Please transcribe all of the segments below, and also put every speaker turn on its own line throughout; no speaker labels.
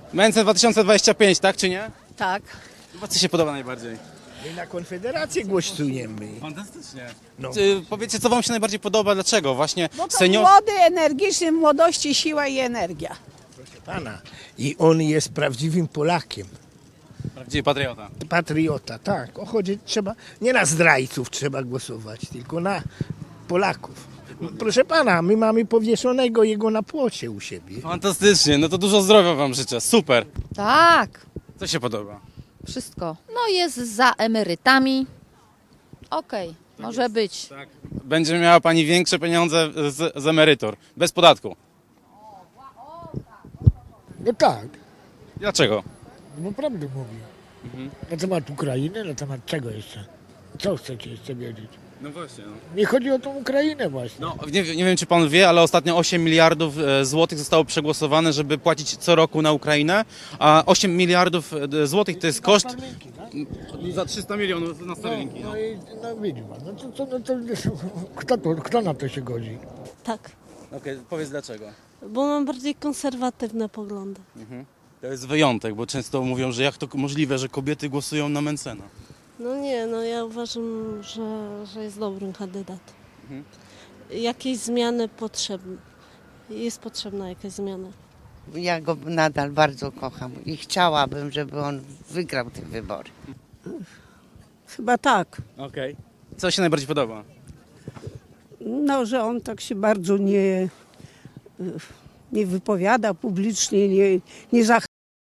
Mencen 2025, tak czy nie?
Tak.
Chyba co się podoba najbardziej?
My na Konfederację głosujemy.
Fantastycznie.
No.
Powiedzcie, co wam się najbardziej podoba, dlaczego? Właśnie
No to
senior...
młody, energiczny, młodości, siła i energia.
Pana. I on jest prawdziwym Polakiem.
Prawdziwy patriota.
Patriota, tak. Chodzi, trzeba, nie na zdrajców trzeba głosować, tylko na Polaków. Proszę pana, my mamy powieszonego jego na płocie u siebie.
Fantastycznie, no to dużo zdrowia wam życzę, super.
Tak,
Co się podoba?
wszystko. No jest za emerytami. Okej, może być.
Tak. Będzie miała pani większe pieniądze z emerytur, bez podatku.
No tak,
Dlaczego?
no prawdę mówi. Na temat Ukrainy, na temat czego jeszcze? Co chcecie jeszcze wiedzieć?
No właśnie. No.
Nie chodzi o tą Ukrainę właśnie.
No, nie wiem, czy pan wie, ale ostatnio 8 miliardów złotych zostało przegłosowane, żeby płacić co roku na Ukrainę, a 8 miliardów złotych to jest koszt
Starlinki, tak?
za 300 milionów na Starlinki.
No i no widzi pan, kto na to się godzi?
Tak,
Okej, powiedz dlaczego.
bo mam bardziej konserwatywne poglądy.
To jest wyjątek, bo często mówią, że jak to możliwe, że kobiety głosują na Mencena.
No nie, no ja uważam, że jest dobrym kandydatem. Jakieś zmiany potrzebne. Jest potrzebna jakaś zmiana.
Ja go nadal bardzo kocham i chciałabym, żeby on wygrał te wybory.
Chyba tak.
Okej. Co się najbardziej podoba?
No, że on tak się bardzo nie wypowiada publicznie, nie zachęca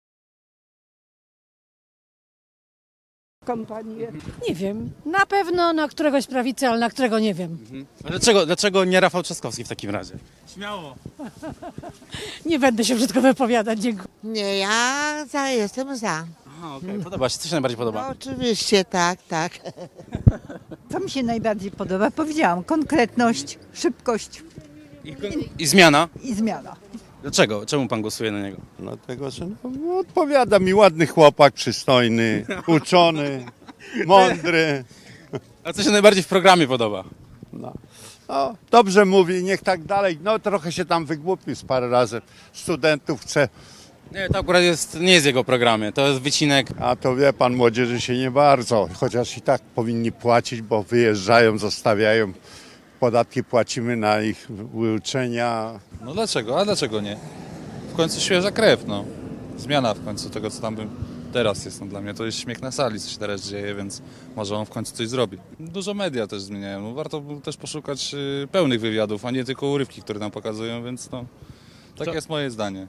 kampanię.
Nie wiem. Na pewno na któregoś prawicy, ale na którego nie wiem.
A dlaczego nie Rafał Trzaskowski w takim razie? Śmiało.
Nie będę się brzydko wypowiadać. Dziękuję.
Nie, ja jestem za.
Aha, okej. Podoba się. Co się najbardziej podoba?
Oczywiście, tak, tak.
Co mi się najbardziej podoba? Powiedziałam, konkretność, szybkość
I zmiana?
i zmiana.
Dlaczego? Czemu pan głosuje na niego?
Dlatego, że no, odpowiada mi ładny chłopak, przystojny, uczony, mądry.
A co się najbardziej w programie podoba?
No. O, dobrze mówi, niech tak dalej. No trochę się tam wygłupił z parę razy. Studentów chce,
Nie, to akurat nie jest w jego programie. To jest wycinek.
a to wie pan, młodzieży się nie bardzo. Chociaż i tak powinni płacić, bo wyjeżdżają, zostawiają. Podatki płacimy na ich uczenia.
No dlaczego? A dlaczego nie? W końcu świeża krew, no. Zmiana w końcu tego, co tam teraz jest. No, dla mnie to jest śmiech na sali, co się teraz dzieje, więc może on w końcu coś zrobi. Dużo media też zmieniają. No, warto też poszukać pełnych wywiadów, a nie tylko urywki, które nam pokazują, więc no, takie jest moje zdanie.